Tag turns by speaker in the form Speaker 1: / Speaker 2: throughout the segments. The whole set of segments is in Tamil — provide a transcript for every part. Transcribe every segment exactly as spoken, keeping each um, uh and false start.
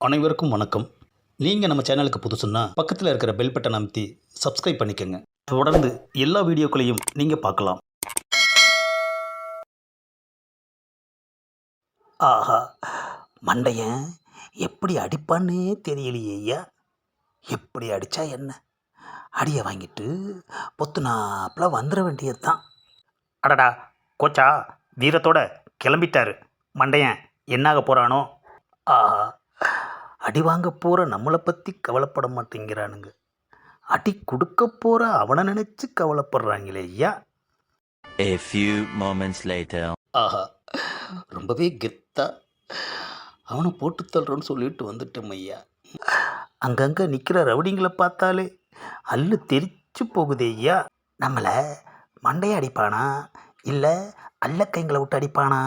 Speaker 1: அனைவருக்கும் வணக்கம். நீங்கள் நம்ம சேனலுக்கு புதுசுன்னா பக்கத்தில் இருக்கிற பெல் பட்டன் அமைத்தி சப்ஸ்கிரைப் பண்ணிக்கோங்க. தொடர்ந்து எல்லா வீடியோக்களையும் நீங்கள் பார்க்கலாம்.
Speaker 2: ஆஹா, மண்டையன் எப்படி அடிப்பான்னே தெரியலையே ஐயா. எப்படி அடித்தா என்ன, அடியை வாங்கிட்டு பொத்துனாப்பில் வந்துட வேண்டியது தான்.
Speaker 1: அடடா கோச்சா, வீரத்தோட கிளம்பிட்டாரு. மண்டையன் என்னாக போகிறானோ.
Speaker 2: ஆஹா, அடி வாங்க போகிற நம்மளை பற்றி கவலைப்பட மாட்டேங்கிறானுங்க, அடி கொடுக்க போகிற அவனை நினச்சி கவலைப்படுறாங்களே ஐயா.
Speaker 3: A few moments later.
Speaker 2: ஆஹா, ரொம்பவே கெத்தா அவனை போட்டு தள்ளுறோன்னு சொல்லிட்டு வந்துட்டோம் ஐயா. அங்கங்கே நிற்கிற ரவுடிங்களை பார்த்தாலே அல்லு தெரிச்சு போகுதே ஐயா. நம்மளை மண்டையை அடிப்பானா இல்லை அல்லக்கைங்களை விட்டு அடிப்பானா?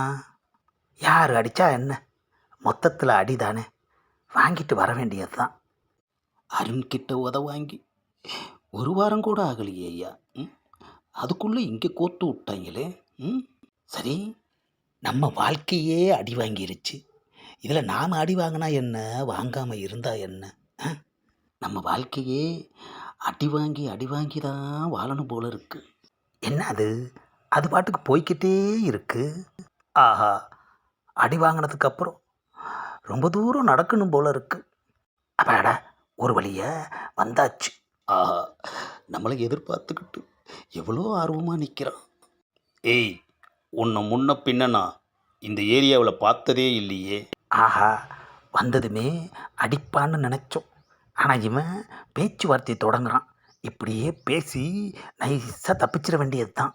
Speaker 2: யார் அடித்தா என்ன, மொத்தத்தில் அடிதானே, வாங்கிட்டு வர வேண்டியது தான். அருண்கிட்ட உத வாங்கி ஒரு வாரம் கூட ஆகலையே ஐயா. ம் அதுக்குள்ளே இங்கே கோத்து விட்டாங்களே. ம் சரி, நம்ம வாழ்க்கையே அடி வாங்கிருச்சு, இதில் நாம் அடி வாங்கினா என்ன, வாங்காமல் இருந்தால் என்ன? ஆ? நம்ம வாழ்க்கையே அடி வாங்கி அடி வாங்கி தான் வாழணும் போல இருக்கு. என்ன அது, அது பாட்டுக்கு போய்கிட்டே இருக்கு. ஆஹா, அடி வாங்கினதுக்கப்புறம் ரொம்ப தூரம் நடக்கணும் போல இருக்கு. அப்பாடா, ஒரு வழியா வந்தாச்சு. ஆஹா, நம்மளை எதிர்பார்த்துக்கிட்டு எவ்வளோ ஆர்வமாக நிற்கிறான்.
Speaker 1: ஏய், உன்னை முன்ன பின்னனா இந்த ஏரியாவில் பார்த்ததே இல்லையே.
Speaker 2: ஆஹா, வந்ததுமே அடிப்பான்னு நினச்சோம், ஆனால் இவன் பேச்சுவார்த்தை தொடங்குறான். இப்படியே பேசி நைஸாக தப்பிச்சிட வேண்டியது தான்.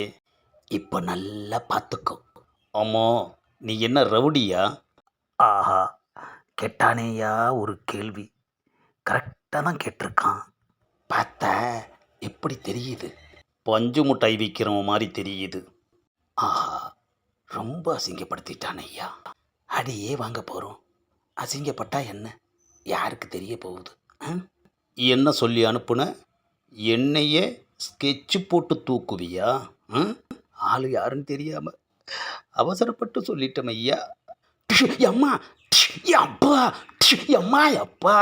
Speaker 2: இப்போ நல்லா பார்த்துக்கோ.
Speaker 1: ஆமாம், நீ என்ன ரவுடியா?
Speaker 2: ஆஹா, கேட்டானேயா ஒரு கேள்வி, கரெக்டாக தான் கேட்டிருக்கான். பார்த்தா எப்படி தெரியுது?
Speaker 1: பஞ்சு முட்டாய் விற்கிறவன் மாதிரி தெரியுது.
Speaker 2: ஆஹா, ரொம்ப அசிங்கப்படுத்திட்டான் ஐயா. அடியே வாங்க போகிறோம், அசிங்கப்பட்டா என்ன, யாருக்கு தெரிய போகுது? ஆ?
Speaker 1: என்ன சொல்லி அனுப்புன? என்னையே ஸ்கெட்சு போட்டு தூக்குவியா? ஆ?
Speaker 2: ஆளு யாருன்னு தெரியாமல்
Speaker 1: அவசரப்பட்டு சொல்லிட்டோம் ஐயா.
Speaker 2: அம்மா அப்பா, அம்மா அப்பா,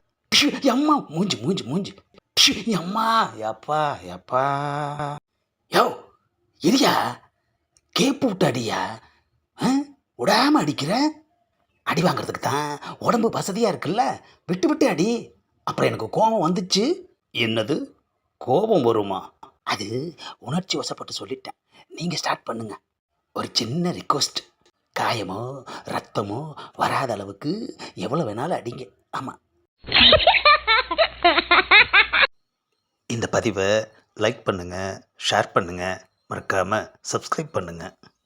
Speaker 2: அம்மா மூஞ்சி மூஞ்சி மூஞ்சி, அம்மா அப்பா அப்பா. யோ இரியா, கேப்பு விட்டு அடியா, விடாம அடிக்கிற. அடி வாங்கிறதுக்கு தான் உடம்பு வசதியாக இருக்குல்ல, விட்டு விட்டு அடி. அப்புறம் எனக்கு கோபம் வந்துச்சு.
Speaker 1: என்னது, கோபம் வருமா?
Speaker 2: அது உணர்ச்சி வசப்பட்டு சொல்லிட்டேன், நீங்கள் ஸ்டார்ட் பண்ணுங்க. ஒரு சின்ன ரிக்வஸ்ட், காயமோ ரத்தமோ வராத அளவுக்கு எவ்வளோ வேணாலும் அடிங்க. ஆமாம்.
Speaker 1: இந்த பதிவை லைக் பண்ணுங்கள், ஷேர் பண்ணுங்கள், மறக்காமல் சப்ஸ்கிரைப் பண்ணுங்கள்.